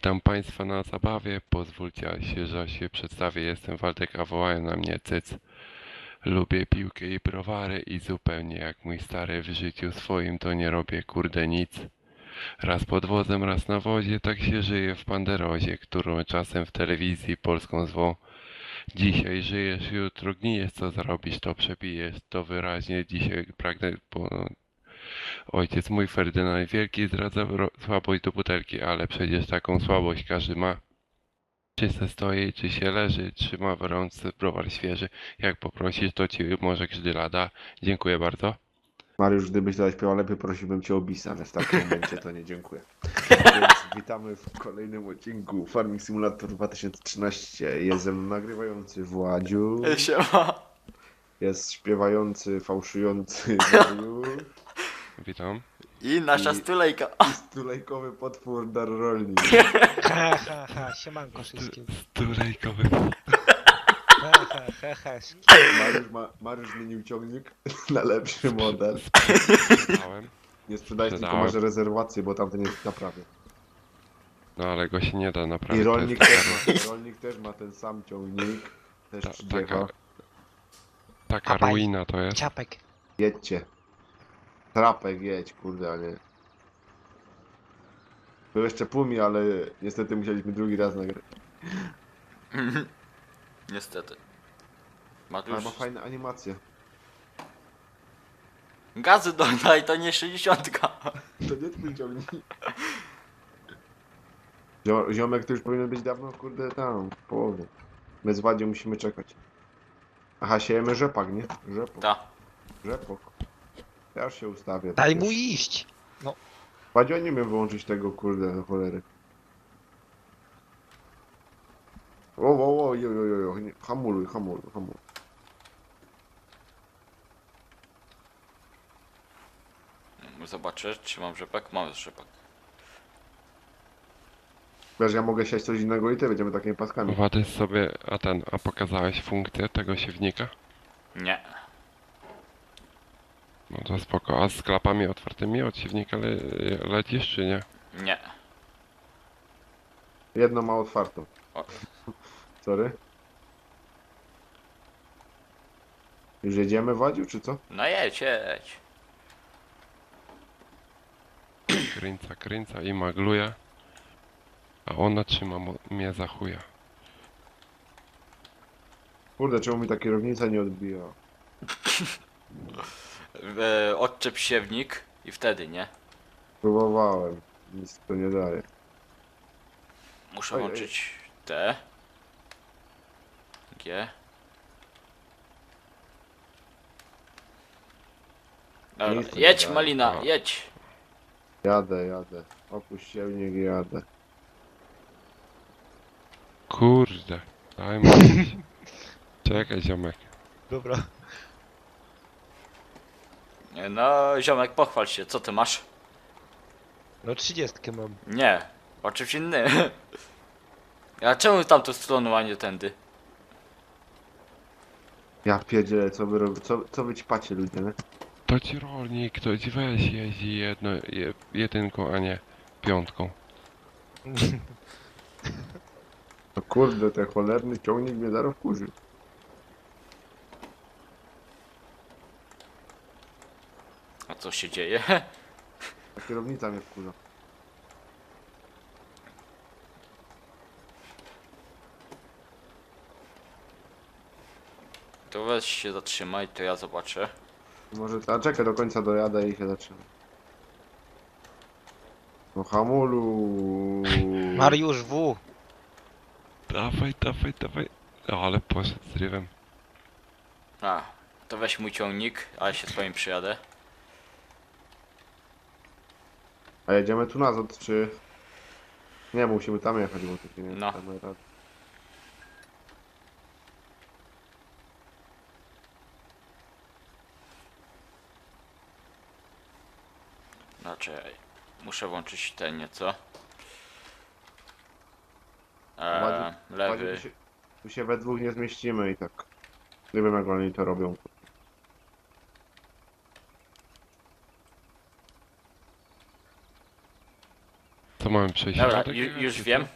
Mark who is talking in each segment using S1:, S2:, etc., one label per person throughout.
S1: Witam Państwa na zabawie. Pozwólcie, że się przedstawię. Jestem Waldek, a wołają na mnie Cyc. Lubię piłkę i browary i zupełnie jak mój stary w życiu swoim to nie robię kurde nic. Raz pod wozem, raz na wozie, tak się żyje w Panderozie, którą czasem w telewizji polską zwą. Dzisiaj żyjesz, jutro gnijesz, co zarobisz, to przebijesz, to wyraźnie dzisiaj pragnę. Ojciec mój Ferdynand Wielki zdradza słabość do butelki, ale przecież taką słabość każdy ma. Czy se stoi, czy się leży, trzyma w rączce browar świeży. Jak poprosisz, to ci może Grzyla da. Dziękuję bardzo.
S2: Mariusz, gdybyś zaśpiewał lepiej, prosiłbym cię o bis, ale w takim momencie to nie dziękuję. Więc witamy w kolejnym odcinku Farming Simulator 2013. Jest ze mną nagrywający Władziu,
S3: Siema.
S2: jest śpiewający, fałszujący Mariusz
S1: Witam.
S3: I nasza
S2: I-
S3: stulejka.
S2: i stulejkowy potwór Dar Rolnik.
S4: Ha, ha, ha, siemanko wszystkim.
S1: Stulejkowy.
S4: Ha, ha, ha, ha.
S2: Mariusz zmienił ciągnik na lepszy model.
S1: Sprzedałem.
S2: Nie sprzedajesz, tylko
S1: Sprzedałem.
S2: masz rezerwację, bo tamten jest w naprawie.
S1: No ale go się nie da naprawić.
S2: I
S1: to
S2: rolnik
S1: jest
S2: też ma ten sam ciągnik. Też
S1: ta,
S2: przyjechał.
S1: taka
S4: Apaj.
S1: ruina to jest.
S4: Ciapek.
S2: Jedźcie. Trapek jedź, kurde, a nie. Był jeszcze Pumi, ale niestety musieliśmy drugi raz nagrać.
S3: Niestety.
S2: Ale
S3: Matusz,
S2: ma fajne animacje.
S3: gazy dodaj, to nie 60.
S2: To nie twój ciągnik. Ziomek to już powinien być dawno, kurde, tam, w połowie. My z Wadzią musimy czekać. Aha, siejemy rzepak, nie? Rzepok.
S3: Ta.
S2: Rzepok. Ja już się ustawię.
S4: Daj
S2: tak
S4: mu
S2: jest.
S4: iść.
S2: Wadziu, ja nie wiem wyłączyć tego, kurde, na cholery. O, jo, nie, hamuluj.
S3: Zobaczę, czy mam rzepak. Mam rzepak.
S2: Wiesz, ja mogę siać coś innego i ty będziemy takimi paskami.
S1: Wady sobie, a pokazałeś funkcję tego siewnika?
S3: Nie.
S1: No to spoko. A z klapami otwartymi od siewnika lecisz czy nie?
S3: Nie.
S2: Jedno ma otwartą.
S3: O.
S2: Sorry. Już jedziemy, Wadziu, czy co?
S3: No jedź.
S1: Kręca i magluje. A ona trzyma mnie za chuja.
S2: Kurde, czemu mi ta kierownica nie odbija?
S3: Odczep siewnik i wtedy, nie?
S2: Próbowałem. Nic to nie daje.
S3: Muszę
S2: Oj,
S3: włączyć T. G. Dobra,
S2: Nic tu nie
S3: jedź
S2: daje.
S3: Malina,
S1: No.
S3: jedź.
S2: Jadę. Opuść silnik i jadę.
S1: Kurde. Daj mu. Czekaj ziomek.
S4: Dobra.
S3: No ziomek, pochwal się, co ty masz?
S4: No 30 mam.
S3: Nie, o czymś innym. A czemu tamtą stroną, a nie tędy?
S2: Ja pierdzielę, co wy robicie? Co wy ćpacie, ludzie, nie?
S1: To ci rolnik, to ci weź jeździ jedynką, a nie piątką.
S2: No kurde, ten cholerny ciągnik mnie zaraz wkurzy.
S3: A co się dzieje?
S2: Ta kierownica mnie wkurza.
S3: To weź się zatrzymaj, to ja zobaczę.
S2: Może, a czekaj, do końca dojadę i się zaczyna. No hamulu.
S4: Mariusz W.
S1: Dawaj. O, ale poszedł z rywem.
S3: A, to weź mój ciągnik, a ja się swoim przyjadę.
S2: A jedziemy tu nazad, czy... Nie, musimy tam jechać, bo tu się nie
S3: No.
S2: damy rady.
S3: Znaczy, muszę włączyć ten nieco.
S2: Ładzie-
S3: Lewy.
S2: Tu się we dwóch nie zmieścimy i tak. Nie wiem, jak oni to robią.
S1: Co mamy przejść?
S3: Dobra,
S1: środek jechać,
S3: już
S1: czy
S3: wiem.
S1: co?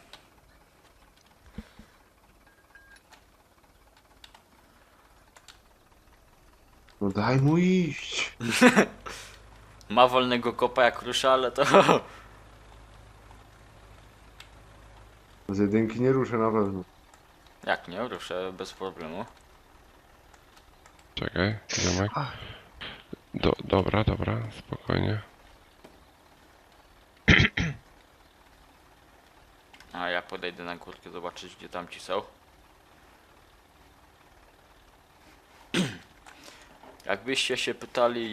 S2: No daj mu iść.
S3: Ma wolnego kopa jak rusza, ale to...
S2: Z jedynki nie ruszę na pewno.
S3: Jak nie, ruszę bez problemu.
S1: Czekaj, ziomek.
S4: Ach.
S1: Dobra, spokojnie.
S3: A ja podejdę na górkę zobaczyć gdzie tam ci są. Jakbyście się pytali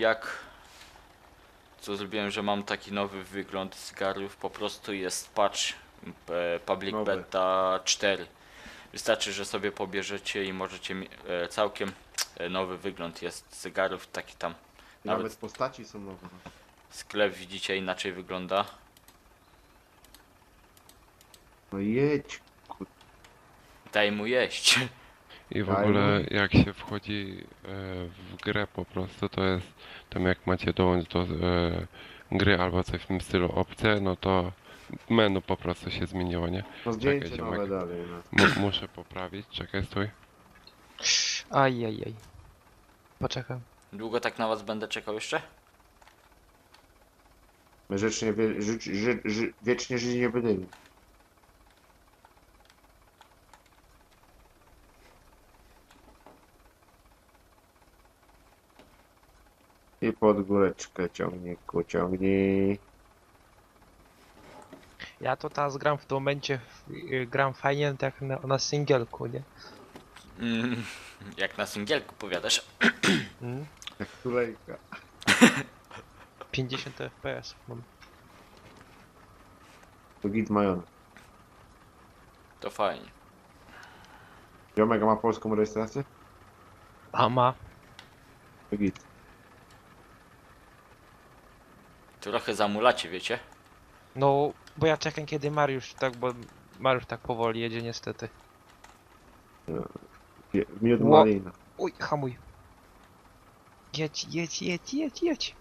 S3: co zrobiłem, że mam taki nowy wygląd cygarów, po prostu jest patch Public
S2: Nowy.
S3: Beta 4. Wystarczy, że sobie pobierzecie i możecie całkiem nowy wygląd jest cygarów, taki tam.
S2: Nawet
S3: Nawet
S2: postaci są nowe.
S3: sklep widzicie inaczej wygląda.
S2: No jedź.
S3: Daj mu jeść.
S1: I w
S2: Daj
S1: ogóle
S2: mu.
S1: jak się wchodzi w grę po prostu, to jest tam jak macie dołączyć do gry albo coś w tym stylu opcje, no to menu po prostu się zmieniło, nie?
S2: No zdjęcie
S1: Czekaj,
S2: nowe
S1: ziomek.
S2: dalej. No.
S1: Muszę poprawić, czekaj, stój.
S4: Ajajaj. Poczekam.
S3: Długo tak na was będę czekał jeszcze?
S2: My wiecznie żyć nie będziemy. I pod góreczkę ciągnij.
S4: Ja to teraz gram w tym momencie, gram fajnie tak na singielku, nie?
S3: Jak na singielku powiadasz.
S4: Mm?
S2: Jak tulejka.
S4: 50 FPS mam.
S2: To git majon.
S3: To fajnie.
S2: Ziomek ma polską rejestrację?
S4: A ma.
S2: To git.
S3: Trochę zamulacie, wiecie?
S4: No, bo ja czekam kiedy Mariusz tak, bo Mariusz tak powoli jedzie niestety.
S2: Miód
S4: Ło-
S2: malina.
S4: Uj, hamuj. Jedź.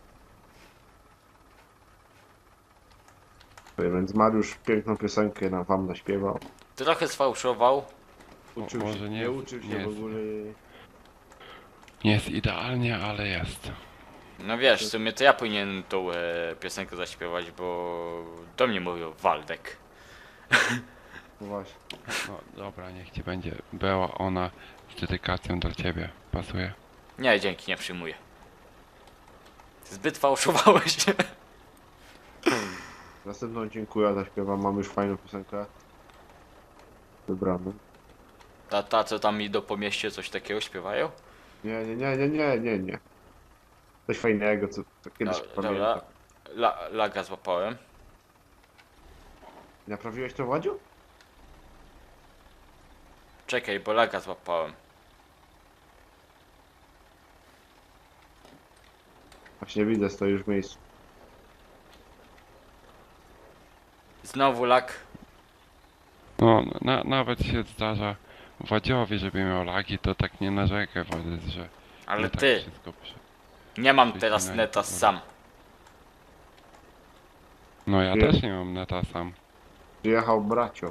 S2: Więc Mariusz piękną piosenkę wam naśpiewał.
S3: Trochę sfałszował.
S2: Uczył
S1: może
S2: się,
S1: nie
S2: nie
S1: jest-
S2: uczył się
S1: nie
S2: w
S1: jest.
S2: ogóle.
S1: Nie jest idealnie, ale jest.
S3: No wiesz, w sumie to ja powinienem tą piosenkę zaśpiewać, bo do mnie mówił Waldek.
S2: No właśnie.
S1: No dobra, niech ci będzie. Była ona z dedykacją dla ciebie. Pasuje?
S3: Nie, dzięki, nie przyjmuję. Zbyt fałszowałeś.
S2: Następną dziękuję, zaśpiewam. Mam już fajną piosenkę. Wybraną.
S3: Ta co tam idą po mieście, coś takiego śpiewają?
S2: Nie. Coś fajnego, co kiedyś
S3: Dobra,
S2: pamiętam.
S3: laga złapałem.
S2: Naprawiłeś to, Wadziu?
S3: Czekaj, bo laga złapałem.
S2: Właśnie widzę, stoisz w miejscu.
S3: Znowu lag.
S1: No, nawet się zdarza Wadziowi, żeby miał lagi, to tak nie narzekaj, Władys, że
S3: Ale
S1: nie tak
S3: ty,
S1: wszystko
S3: nie mam
S1: Ty
S3: teraz
S1: się
S3: neta
S1: najpierw-
S3: sam.
S1: No ja
S2: Nie.
S1: też nie mam neta sam.
S2: Przyjechał bracio.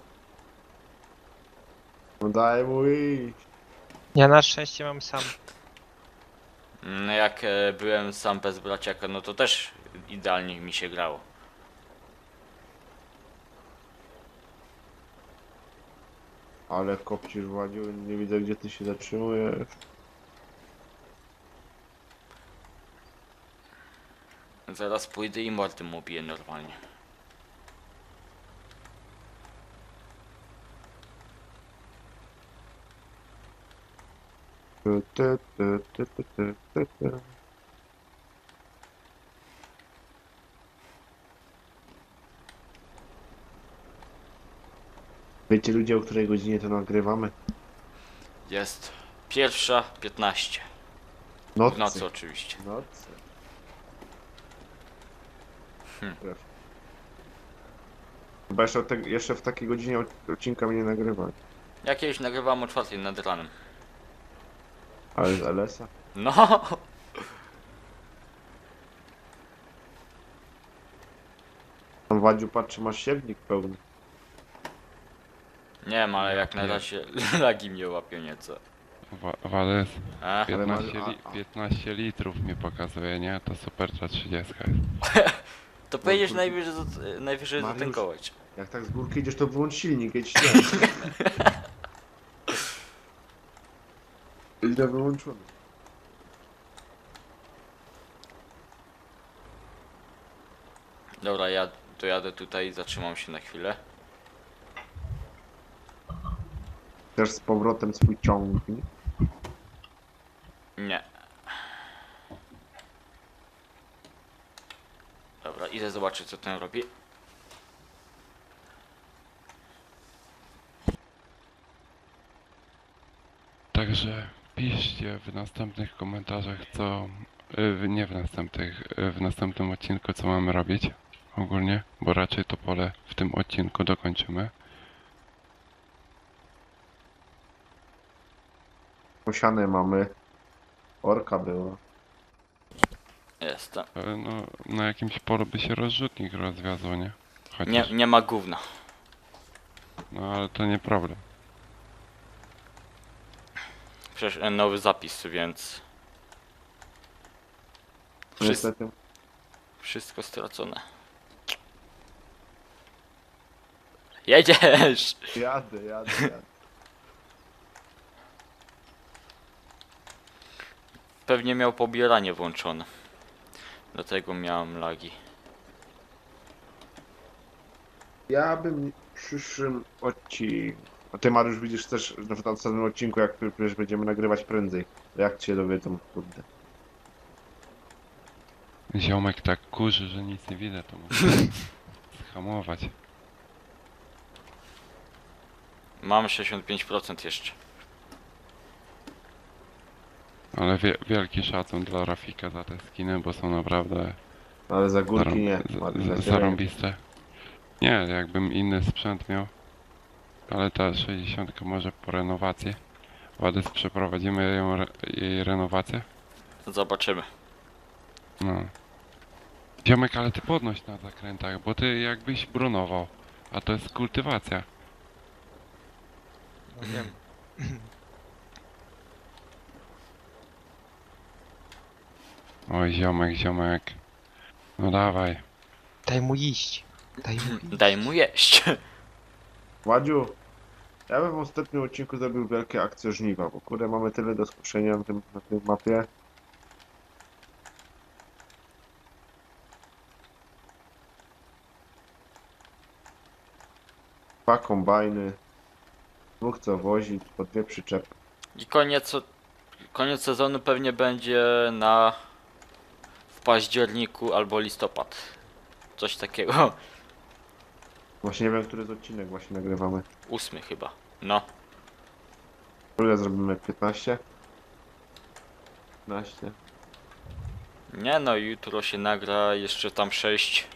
S2: No daj mu iść.
S4: Ja na szczęście mam sam.
S3: No jak byłem sam bez braciaka, no to też idealnie mi się grało.
S2: Ale kopcisz, Wadziu, nie widzę gdzie ty się zatrzymujesz.
S3: Zaraz pójdę i mordy mu biję normalnie.
S2: Tu. Wiecie ludzie, o której godzinie to nagrywamy?
S3: Jest 1:15. W
S2: Nocy.
S3: nocy oczywiście.
S2: Nocy.
S3: Hmm.
S2: Chyba jeszcze w takiej godzinie odcinka mnie nie nagrywali.
S3: Ja kiedyś nagrywałem o 4 nad ranem.
S2: Ale z LS-a?
S3: No!
S2: Tam Wadziu patrzy, masz siewnik pełny.
S3: Nie wiem, ale
S1: Ja
S3: jak na
S1: pier-
S3: razie lagi mnie łapią nieco.
S1: Wales,
S3: A?
S1: 15,
S2: Ale
S1: 15 litrów mi pokazuje, nie? To super ta 30 jest.
S3: To pojedziesz
S2: kurde.
S3: najwyżej
S2: Mariusz.
S3: zatankować.
S2: Jak tak z górki idziesz, to wyłącz silnik, jedź śnieg. Źle wyłączony.
S3: Dobra, ja dojadę tutaj, zatrzymam się na chwilę.
S2: Też z powrotem swój ciągnik.
S3: Nie. Dobra, idę zobaczyć co ten robi.
S1: Także piszcie w następnych komentarzach co... nie w następnych, w następnym odcinku co mamy robić ogólnie, bo raczej to pole w tym odcinku dokończymy.
S2: Posiane mamy. Orka była.
S3: Jestem.
S1: No, na jakimś polu by się rozrzutnik rozwiązał, nie? Chociaż,
S3: Nie ma gówna.
S1: no ale to nie problem.
S3: Przecież nowy zapis, więc...
S2: Niestety.
S3: Wszystko stracone. Jedziesz!
S2: Jadę.
S3: Pewnie miał pobieranie włączone. Dlatego miałem lagi.
S2: Ja bym w przyszłym odcinku. A ty Mariusz widzisz też, że w następnym odcinku, jak przecież będziemy nagrywać prędzej. Jak cię dowiedzą, kurde.
S1: Ziomek tak kurzy, że nic nie widać, to muszę schamować.
S3: Mam 65% jeszcze.
S1: Ale wielki szacun dla Rafika za te skiny, bo są naprawdę
S2: Ale za górki nie.
S1: zarąbiste. Nie, jakbym inny sprzęt miał, ale ta 60 może po renowacji. Ładys, przeprowadzimy jej renowację?
S3: Zobaczymy.
S1: No. Ziomek, ale ty podnoś na zakrętach, bo ty jakbyś brunował, a to jest kultywacja.
S4: No wiem.
S1: Oj, ziomek. No dawaj.
S4: Daj mu iść. Daj mu iść.
S3: Daj mu jeść.
S2: Wadziu, ja bym w ostatnim odcinku zrobił wielkie akcje żniwa, bo kurde mamy tyle do skuszenia na tej mapie. Dwa kombajny, dwóch co wozić, po dwie przyczepy.
S3: I koniec sezonu pewnie będzie w październiku albo listopad. Coś takiego.
S2: Właśnie nie wiem, który z odcinek właśnie nagrywamy.
S3: 8 chyba. No.
S2: Ile zrobimy? 15? 15?
S3: Nie no, jutro się nagra jeszcze tam 6.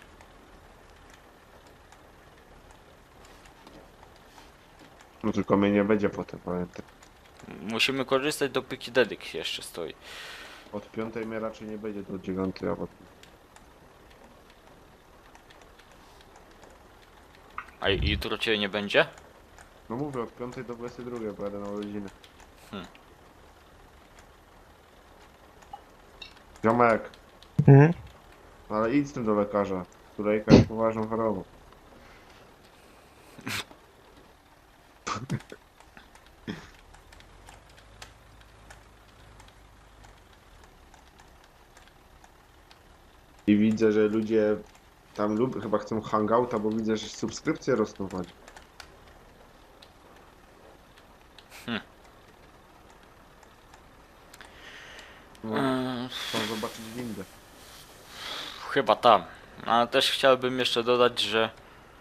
S2: No tylko mnie nie będzie potem, pamiętaj.
S3: Musimy korzystać dopóki dedyk jeszcze stoi.
S2: Od 5 mnie raczej nie będzie do 9, a potem...
S3: A jutro cię nie będzie?
S2: No mówię, od 5 do 22 pojadę na urodziny.
S3: Hmm.
S2: Ziomek,
S4: Mhm.
S2: ale idź z tym do lekarza. Turejka jest poważną chorobą. I widzę, że ludzie tam chyba chcą hangouta, bo widzę, że subskrypcje rosną właśnie. No, chcą zobaczyć windę.
S3: Chyba tam. Ale też chciałbym jeszcze dodać, że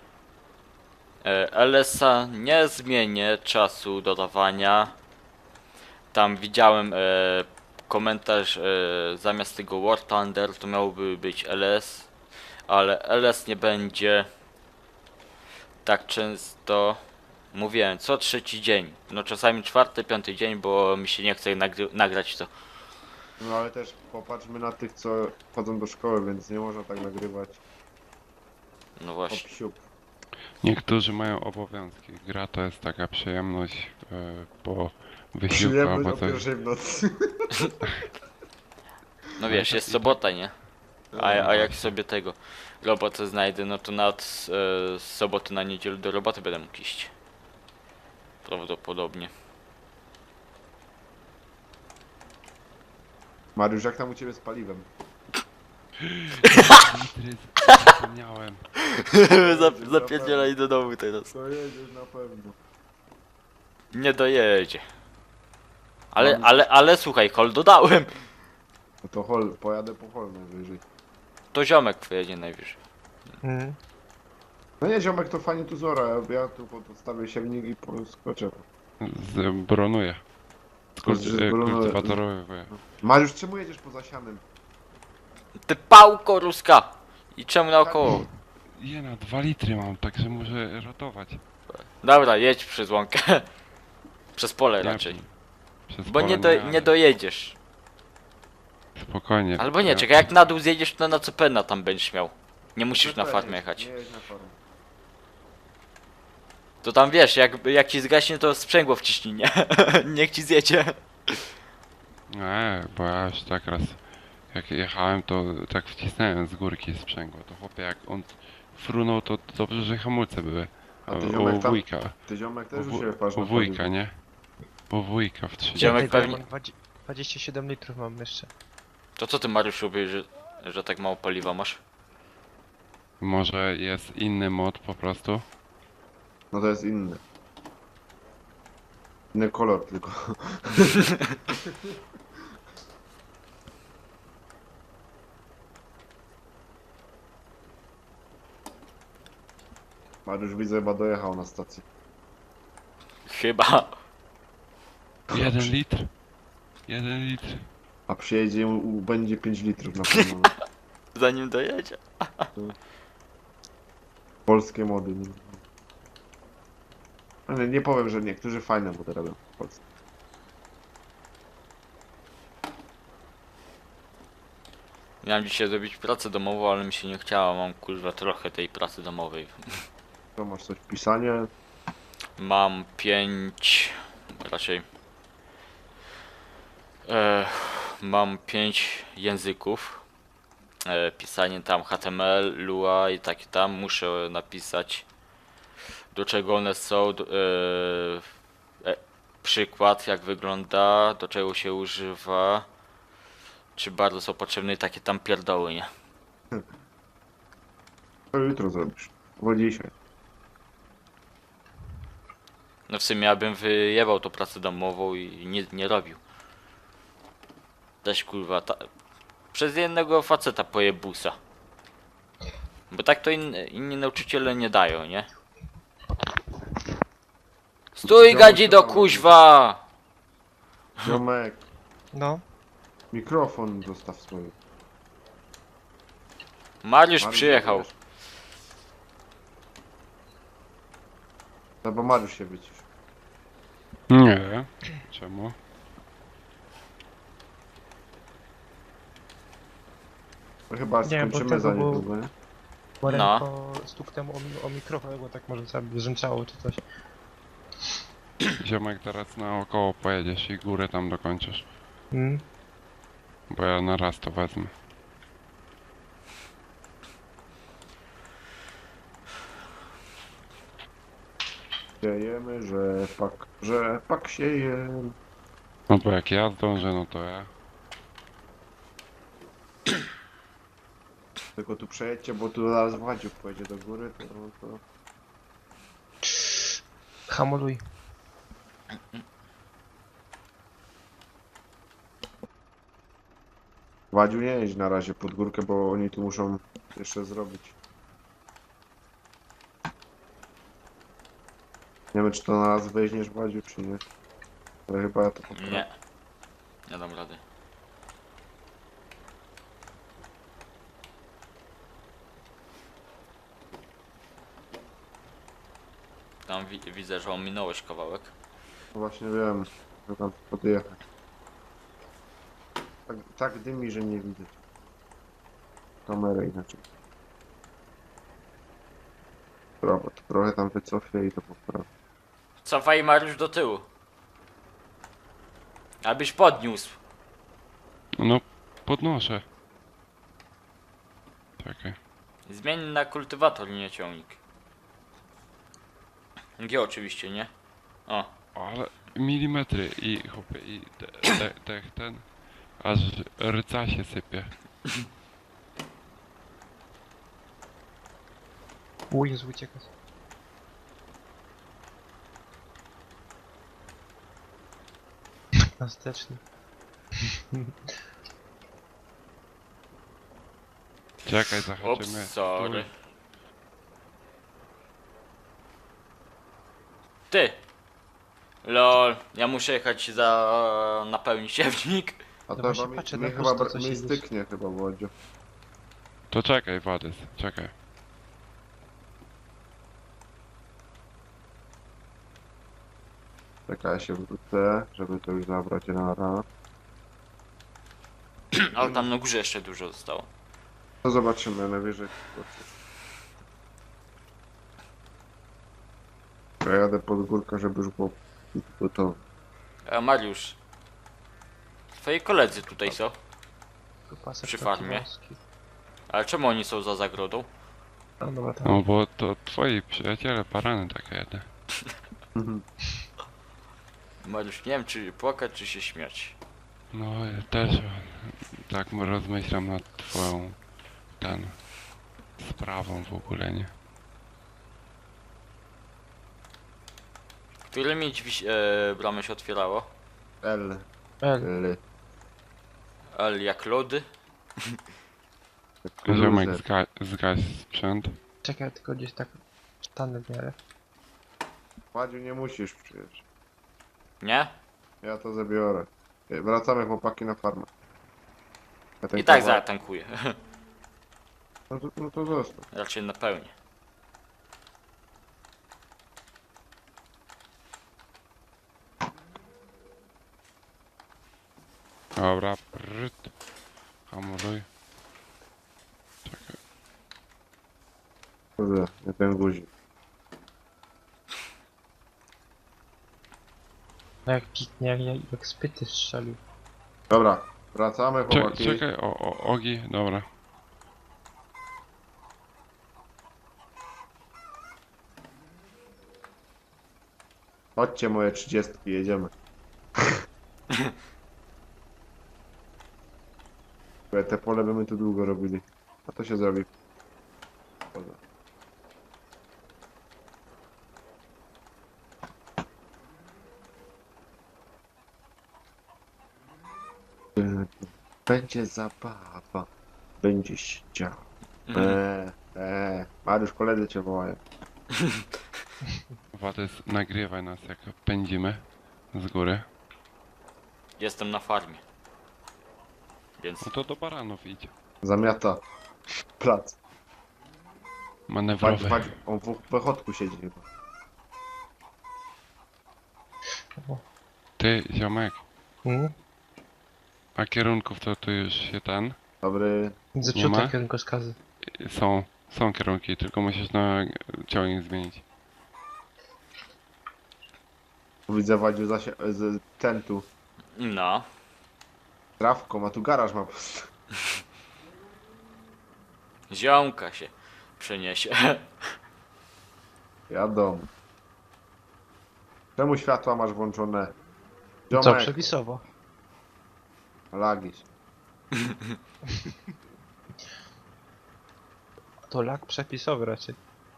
S3: LS-a nie zmienię czasu dodawania. Tam widziałem komentarz, zamiast tego War Thunder to miałby być LS, ale LS nie będzie tak często. Mówiłem, co trzeci dzień. No czasami czwarty, piąty dzień, bo mi się nie chce nagrać to.
S2: No ale też popatrzmy na tych, co chodzą do szkoły, więc nie można tak nagrywać.
S3: No
S2: Hop,
S3: właśnie.
S2: siup.
S1: Niektórzy mają obowiązki. Gra to jest taka przyjemność po wysiłku
S2: Przyjemność
S1: albo
S2: o
S1: coś.
S2: pierwszej w nocy.
S3: No wiesz,
S1: to
S3: jest
S1: i
S3: sobota, nie? A jak
S1: właśnie.
S3: sobie tego robotę znajdę, no to nawet z soboty na niedzielę do roboty będę mógł iść. Prawdopodobnie.
S2: Mariusz, jak tam u ciebie z paliwem?
S1: Litry, zapomniałem.
S3: Zapierdzielaj do domu teraz.
S2: To jedziesz na pewno.
S3: Nie dojedzie. Ale słuchaj, hol dodałem.
S2: No to hol, pojadę po hol najwyżej.
S3: To ziomek pojedzie najwyżej.
S4: Mhm.
S2: No nie, ziomek to fajnie tu zora, ja tu podstawię siewnik i skoczę.
S1: Zbronuję.
S2: Zbronuję.
S1: Kultywatorowy.
S2: Mariusz, czemu jedziesz poza sianem?
S3: Ty pałko ruska! I czemu naokoło?
S1: Jena, 2 litry mam, także muszę rotować.
S3: Dobra, jedź przez łąkę. Przez pole
S1: Nie,
S3: raczej.
S1: Przez
S3: Bo
S1: pole
S3: nie
S1: jadę.
S3: dojedziesz.
S1: Spokojnie.
S3: Albo nie,
S1: Ja-
S3: czekaj, jak na dół zjedziesz, to na CPN tam będziesz miał. Nie musisz na
S2: Nie
S3: farmę
S2: jedź,
S3: jechać.
S2: Nie jedź na farmę.
S3: To tam wiesz, jak ci zgaśnie, to sprzęgło wciśnij, nie? Niech ci zjedzie.
S1: Nie, bo ja już tak raz jak jechałem, to tak wcisnąłem z górki sprzęgło. To chłopie, jak on frunął, to dobrze, że hamulce były.
S2: A ty
S1: U
S2: ziomek tam,
S1: wujka.
S2: ty ziomek też u
S1: U,
S2: siebie patrz
S1: u
S2: na
S1: wujka,
S2: paliwo.
S1: nie? U wujka w 30.
S3: Ziomek
S4: Tego ja
S3: pewnie-
S4: mam 27 litrów mam jeszcze.
S3: To co ty, Mariusz, robisz, że tak mało paliwa masz?
S1: Może jest inny mod po prostu?
S2: No to jest inny. Inny kolor tylko. Mariusz widzę chyba dojechał na stację.
S3: Chyba.
S1: 1 litr. 1 litr.
S2: A przyjedzie i będzie 5 litrów na pewno.
S3: Zanim dojedzie.
S2: Polskie mody. Ale nie powiem, że niektórzy fajne mody robią w Polsce.
S3: Miałem dzisiaj zrobić pracę domową, ale mi się nie chciało. Mam kurwa trochę tej pracy domowej.
S2: To masz coś pisanie.
S3: Mam 5, raczej. Mam 5 języków. Pisanie tam HTML, Lua i takie tam. Muszę napisać, do czego one są. Przykład, jak wygląda, do czego się używa. Czy bardzo są potrzebne i takie tam pierdoły, nie?
S2: To jutro zrobisz. Bo dzisiaj.
S3: No w sumie ja bym wyjebał tą pracę domową i nie robił. Też kurwa, przez jednego faceta pojebusa. Bo tak to inni nauczyciele nie dają, nie? Stój gadzi do kuźwa!
S2: Ziomek,
S4: No.
S2: mikrofon zostaw swój.
S3: Mariusz
S2: Mariusz,
S3: przyjechał.
S2: wiesz? No bo Mariusz się wycisz.
S1: Nie. Czemu?
S2: No chyba
S4: Nie, bo
S2: skończymy
S4: tego
S2: za
S4: było-
S2: niedługo, nie?
S4: Bo
S3: No.
S4: ręko stuknęło o mikrofon, bo tak może sobie brzęczało czy coś.
S1: Ziomek, teraz naokoło pojedziesz i górę tam dokończysz.
S4: Mm.
S1: Bo ja na raz to wezmę.
S2: Siejemy, że pak sieje.
S1: No bo jak ja zdążę, no to ja.
S2: Tylko tu przejedźcie, bo tu zaraz Władziuk pojedzie do góry, to...
S4: Hamuluj.
S2: Władziu nie jedź na razie pod górkę, bo oni tu muszą jeszcze zrobić. Nie wiem, czy to na raz weźmiesz, Władziu, czy nie. Ale chyba ja to poprawię.
S3: Nie. Nie dam rady. Tam widzę, że ominąłeś kawałek.
S2: No właśnie wiem, że tam podjechać. Tak dymi, że nie widać. Kamerę inaczej. Robot. Trochę tam wycofię i to poprawię.
S3: Cofaj Mariusz do tyłu. Abyś podniósł.
S1: No, podnoszę. Czekaj.
S3: Zmień na kultywator, nie ciągnik. G oczywiście, nie? O.
S1: Ale milimetry i chłopie i ten. Aż rca się sypie.
S4: O Jezu, uciekać. Nastecznie.
S1: Czekaj, zahaczymy.
S3: Ups, sorry. Ty! Lol, ja muszę jechać napełnić siewnik.
S2: A to
S4: właśnie
S2: chyba
S4: patrzę
S2: mi
S4: na
S2: chyba
S4: prosto, co się
S2: mi
S4: dzieje.
S2: styknie chyba Władziu.
S1: To czekaj, Władys, czekaj.
S2: Czekaj, ja się wrócę, żeby to już zabrać na raz.
S3: Ale tam na górze jeszcze dużo zostało.
S2: No zobaczymy, najwyżej. Ja jadę pod górkę, żeby już było gotowe.
S3: Mariusz. Twoi koledzy tutaj są.
S4: Pasek
S3: Przy
S4: taki
S3: farmie.
S4: wąski.
S3: Ale czemu oni są za zagrodą?
S4: A dobra, tak.
S1: No bo to twoi przyjaciele, parany takie jedne.
S3: Mariusz, nie wiem czy płakać, czy się śmiać.
S1: No ja też tak rozmyślam nad twoją sprawą w ogóle, nie?
S3: Którymi drzwi bramy się otwierało?
S2: L.
S4: L.
S3: L jak lody?
S1: Ziomek
S2: Luzer.
S1: zgaś sprzęt.
S4: Czekaj, tylko gdzieś tak stanę w miarę.
S2: Władziu, nie musisz przecież.
S3: Nie?
S2: Ja to zabiorę. Wracamy chłopaki na farmę. Ja ten
S3: I tak
S2: kawałek-
S3: zatankuję.
S2: No to zostaw.
S3: Raczej napełnię.
S1: Dobra, pryt. Hamuluj. Czekaj.
S2: Kurde, nie ten guzik.
S4: No jak piknie, jak spyty strzelił.
S2: Dobra, wracamy chłopaki.
S1: Czekaj, ogi, dobra.
S2: Chodźcie moje 30, jedziemy. Te pole by my tu długo robili. A to się zrobi. Dobra. Będzie zabawa. Będzie się działo. Mariusz, koledzy cię wołają.
S1: Władys, nagrywaj nas jak pędzimy z góry.
S3: Jestem na farmie. Więc
S1: No to do baranów idź.
S2: Zamiata plac.
S1: Manewrowy.
S2: On w wychodku siedzi chyba.
S1: Ty, ziomek,
S4: Hmm?
S1: a kierunków to tu już się
S2: Dobry.
S4: Zepsute
S1: ma?
S4: kierunkowskazy.
S1: Są kierunki, tylko musisz na ciągnik zmienić.
S2: Widzę Wadziu z tentu.
S3: no.
S2: Trawką, a tu garaż ma po prostu.
S3: Ziomka się przeniesie.
S2: Jadą. Czemu światła masz włączone?
S4: Co,
S2: Ziomek,
S4: przepisowo.
S2: lagi.
S4: To lag przepisowy raczej.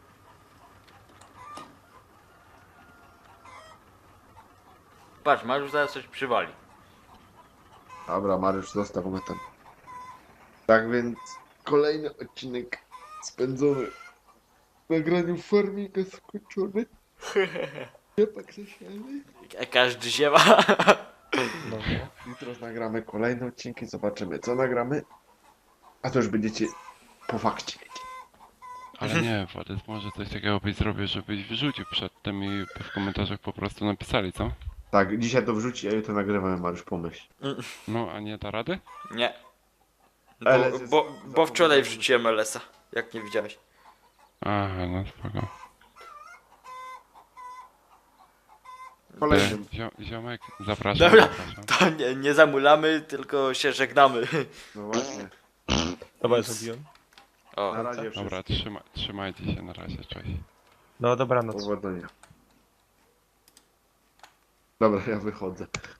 S3: Patrz, Mariusz zaraz coś przywali.
S2: Dobra, Mariusz, zostawmy ten. Tak więc kolejny odcinek spędzony w nagraniu farmika skończony. Ciepak zasiany.
S3: Każdy ziewa.
S4: No,
S2: Jutro nagramy kolejne odcinki, zobaczymy co nagramy. A to już będziecie po fakcie wiedzieć.
S1: Ale nie, Władys, może coś takiego byś zrobił, żebyś wrzucił przed tym i w komentarzach po prostu napisali, co?
S2: Tak, dzisiaj to wrzuci, a jutro nagrywamy, Mariusz, pomyśl.
S1: No, a nie da rady?
S3: Nie.
S2: LS jest
S3: Bo wczoraj
S2: zapomniany.
S3: wrzuciłem LS-a. Jak nie widziałeś.
S1: Aha, no spoko.
S2: Kolejnym.
S1: Ziomek, zapraszam,
S3: Dobra.
S1: zapraszam.
S3: To nie zamulamy, tylko się żegnamy.
S2: No właśnie.
S4: Dobra,
S3: Nic.
S4: zrobiłem.
S3: O,
S2: Na razie
S1: Dobra,
S2: wszystkim.
S1: trzymajcie się na razie, cześć.
S4: No dobranoc.
S2: Powodzenia. Dobra, ja wychodzę.